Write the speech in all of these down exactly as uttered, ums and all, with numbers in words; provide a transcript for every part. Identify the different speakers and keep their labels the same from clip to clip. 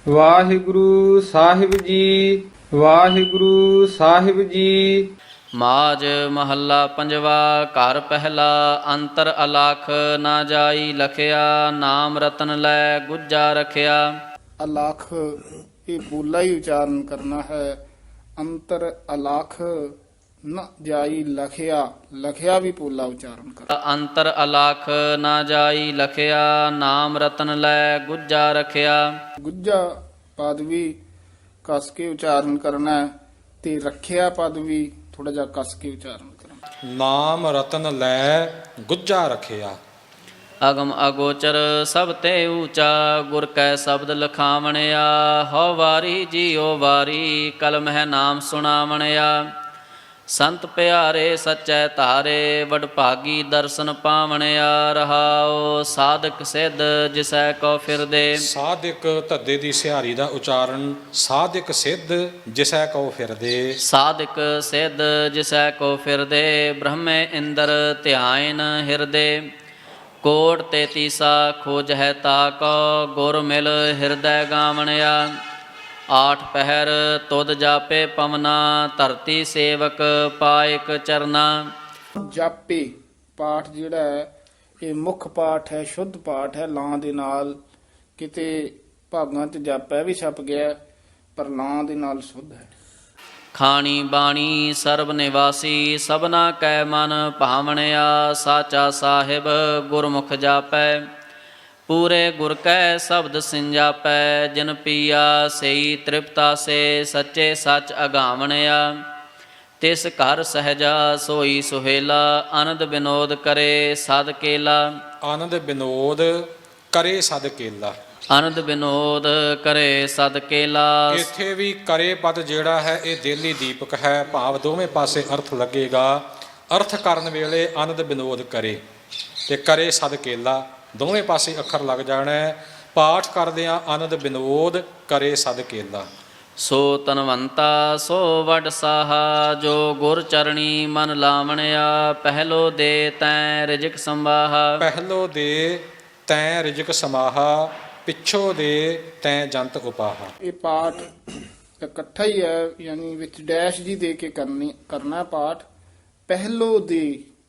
Speaker 1: ਵਾਹਿਗੁਰੂ ਸਾਹਿਬ ਜੀ, ਵਾਹਿਗੁਰੂ ਸਾਹਿਬ ਜੀ।
Speaker 2: ਮਾਝ ਮਹੱਲਾ ਪੰਜਵਾ। ਘਰ ਪਹਿਲਾ ਅੰਤਰ ਅਲਖ ਨਾ ਜਾਈ ਲਖਿਆ, ਨਾਮ ਰਤਨ ਲੈ ਗੁੱਜਾ ਰਖਿਆ।
Speaker 3: ਅਲਖ ਇਹ ਬੋਲਾ ਹੀ ਉਚਾਰਨ ਕਰਨਾ ਹੈ। ਅੰਤਰ ਅਲਖ ਨ ਜਾਈ ਲਖਿਆ, ਲਖਿਆ ਵੀ ਬੋਲਾ ਉਚਾਰਨ ਕਰ।
Speaker 2: ਅੰਤਰ ਅਲਖ ਨਾ ਜਾਈ ਲਖਿਆ, ਨਾਮ ਰਤਨ ਲੈ ਗੁੱਜਾ ਰਖਿਆ।
Speaker 3: ਗੁੱਜਾ ਪਦ ਵੀ ਕਸ ਕੇ ਉਚਾਰਨ ਕਰਨਾ ਹੈ ਤੇ ਰੱਖਿਆ ਪਦ ਵੀ ਥੋੜਾ ਜਿਹਾ ਕਸ ਕੇ ਉਚਾਰਨ ਕਰਨਾ।
Speaker 4: ਨਾਮ ਰਤਨ ਲੈ ਗੁੱਜਾ ਰਖਿਆ।
Speaker 2: ਅਗਮ ਅਗੋਚਰ ਸਭ ਤੇ ਊਚਾ, ਗੁਰ ਕੈ ਸ਼ਬਦ ਲਖਾਵਣਿਆ। ਹਉ ਵਾਰੀ ਜੀਉ ਵਾਰੀ, ਕਲਮ ਹੈ ਨਾਮ ਸੁਣਾਵਣਿਆ। ਸੰਤ ਪਿਆਰੇ ਸਚੈ ਧਾਰੇ, ਵਡਭਾਗੀ ਦਰਸ਼ਨ ਪਾਵਣਿਆ। ਰਹਾਉ ਸਾਧਕ ਸਿੱਧ ਜਿਸੈ ਕੋ ਫਿਰਦੇ।
Speaker 4: ਸਾਧਕ ਧੱਦੇ ਦੀ ਸਿਹਾਰੀ ਦਾ ਉਚਾਰਨ ਸਾਧਕ ਸਿੱਧ ਜਿਸੈ ਕਉ ਫਿਰਦੇ।
Speaker 2: ਸਾਧਕ ਸਿੱਧ ਜਿਸੈ ਕੋ ਫਿਰਦੇ, ਬ੍ਰਹਮੇ ਇੰਦਰ ਧਿਆਇਨ ਹਿਰਦੇ। ਕੋਟ ਤੇਤੀਸਾ ਖੋਜ ਹੈ ਤਾ ਕੋ, ਗੁਰ ਮਿਲ ਹਿਰਦੈ ਗਾਵਣਿਆ। ਆਠ ਪਹਿਰ ਤੁਧ ਜਾਪੇ ਪਵਨਾ, ਧਰਤੀ ਸੇਵਕ ਪਾਇਕ ਚਰਨਾ।
Speaker 3: ਜਾਪੇ ਪਾਠ ਜਿਹੜਾ ਹੈ ਇਹ ਮੁੱਖ ਪਾਠ ਹੈ, ਸ਼ੁੱਧ ਪਾਠ ਹੈ। ਲਾਂ ਦੇ ਨਾਲ ਕਿਤੇ ਭਾਗਾਂ 'ਚ ਜਾਪੈ ਵੀ ਛਪ ਗਿਆ, ਪਰ ਲਾਂ ਦੇ ਨਾਲ ਸ਼ੁੱਧ ਹੈ।
Speaker 2: ਖਾਣੀ ਬਾਣੀ ਸਰਬ ਨਿਵਾਸੀ, ਸਭਨਾ ਕੈ ਮਨ ਭਾਵਣਿਆ। ਸਾਚਾ ਸਾਹਿਬ ਗੁਰਮੁਖ ਜਾਪੈ, ਪੂਰੇ ਗੁਰ ਕੈ ਸ਼ਬਦ ਸਿੰਜਾਪੈ। ਜਿਨ ਪੀਆ ਸਈ ਤ੍ਰਿਪਤਾ ਸੇ, ਸੱਚੇ ਸੱਚ ਅਗਾਵਣਿਆ। ਤਿਸ ਘਰ ਸਹਿਜਾ ਸੋਈ ਸੁਹੇਲਾ, ਆਨੰਦ ਬਿਨੋਦ ਕਰੇ ਸਦ ਕੇਲਾ।
Speaker 4: ਆਨੰਦ ਬਿਨੋਦ ਕਰੇ ਸਦ ਕੇਲਾ।
Speaker 2: ਆਨੰਦ ਬਿਨੋਦ ਕਰੇ ਸਦ ਕੇਲਾ।
Speaker 4: ਇੱਥੇ ਵੀ ਕਰੇ ਪਦ ਜਿਹੜਾ ਹੈ ਇਹ ਦੇਲੀ ਦੀਪਕ ਹੈ, ਭਾਵ ਦੋਵੇਂ ਪਾਸੇ ਅਰਥ ਲੱਗੇਗਾ। ਅਰਥ ਕਰਨ ਵੇਲੇ ਆਨੰਦ ਬਿਨੋਦ ਕਰੇ ਤੇ ਕਰੇ ਸਦ ਕੇਲਾ, ਦੋਵੇਂ ਪਾਸੇ ਅੱਖਰ ਲੱਗ ਜਾਣਾ ਹੈ। ਪਾਠ ਕਰਦਿਆਂ ਆਨੰਦ ਬਿਨੋਦ ਕਰੇ ਸਦ ਕੇਲਾ।
Speaker 2: ਸੋ ਤਨਵੰਤਾ ਸੋ ਵਡ ਸਾਹਾ, ਜੋ ਗੁਰ ਚਰਣੀ ਮਨ ਲਾਵਣਿਆ। ਪਹਿਲੋ ਦੇ ਤੈਂ ਰਿਜਕ ਸੰਵਾਹਾ।
Speaker 4: ਪਹਿਲੋ ਦੇ ਤੈਂ ਰਿਜਕ ਸਮਾਹਾ, ਪਿੱਛੋਂ ਦੇ ਤੈਂ ਜੰਤ ਉਪਾਹਾ।
Speaker 3: ਇਹ ਪਾਠ ਇਕੱਠਾ ਹੀ ਹੈ, ਯਾਨੀ ਵਿੱਚ ਡੈਸ਼ ਜੀ ਦੇ ਕੇ ਕਰਨੀ ਕਰਨਾ ਪਾਠ। ਪਹਿਲੋ ਦੇ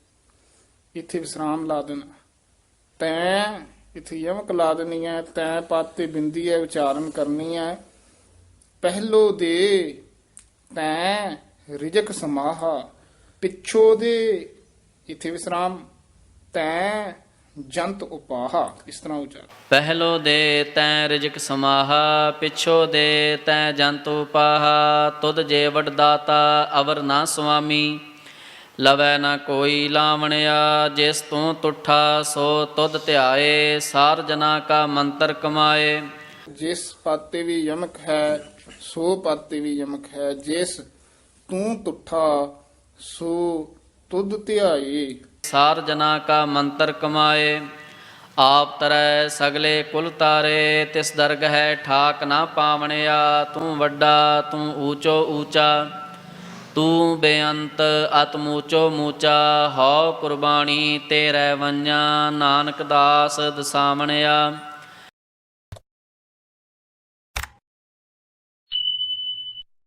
Speaker 3: ਇੱਥੇ ਵਿਸਰਾਮ ਲਾ ਦੇਣਾ, ਤੈਂ ਇੱਥੇ ਯਮਕ ਲਾ ਦੇਣੀ ਹੈ, ਤੈਂ ਪਦ ਤੇ ਬਿੰਦੀ ਹੈ ਉਚਾਰਨ ਕਰਨੀ ਹੈ। ਪਹਿਲੋ ਦੇ ਤੈਂ ਰਿਜਕ ਸਮਾਹਾ, ਪਿੱਛੋਂ ਦੇ ਇੱਥੇ ਵਿਸਰਾਮ, ਤੈਂ ਜੰਤ ਉਪਾਹਾ, ਇਸ ਤਰ੍ਹਾਂ ਉਚਾਰਨ।
Speaker 2: ਪਹਿਲੋ ਦੇ ਤੈਂ ਰਿਜਕ ਸਮਾਹਾ, ਪਿੱਛੋ ਦੇ ਤੈਂ ਜੰਤ ਉਪਾਹਾ। ਤੁਧ ਜੇ ਵਡ ਦਾਤਾ ਅਵਰ ਨਾ ਸੁਆਮੀ, ਲਵੈ ਨਾ ਕੋਈ ਲਾਵਣਿਆ। ਜਿਸ ਤੂੰ ਤੁਠਾ ਸੋ ਤੁਧ ਧਿਆਏ, ਸਾਰ ਜਨਾ ਕਾ ਮੰਤਰ ਕਮਾਏ।
Speaker 3: ਜਿਸ ਪਦ ਤੇ ਵੀ ਯਮਕ ਹੈ, ਸੋ ਪਦ ਤੇ ਵੀ ਯਮਕ ਹੈ। ਜਿਸ ਤੂੰ ਤੁਠਾ ਸੋ ਤੁਧ ਧਿਆਏ,
Speaker 2: ਸਾਰ ਜਨਾ ਕਾ ਮੰਤਰ ਕਮਾਏ। ਆਪ ਤਰੈ ਸਗਲੇ ਕੁਲ ਤਾਰੇ, ਤਿਸ ਦਰਗ ਹੈ ਠਾਕ ਨਾ ਪਾਵਣਿਆ। ਤੂੰ ਵੱਡਾ ਤੂੰ ਊਚੋ ਊਚਾ, ਤੂੰ ਬੇਅੰਤ ਅਤਿ ਊਚੋ ਮੂਚਾ। ਹਉ ਕੁਰਬਾਨੀ ਤੇਰੇ ਵੰਜਾ, ਨਾਨਕ ਦਾਸ ਦਸਾਵਣਿਆ।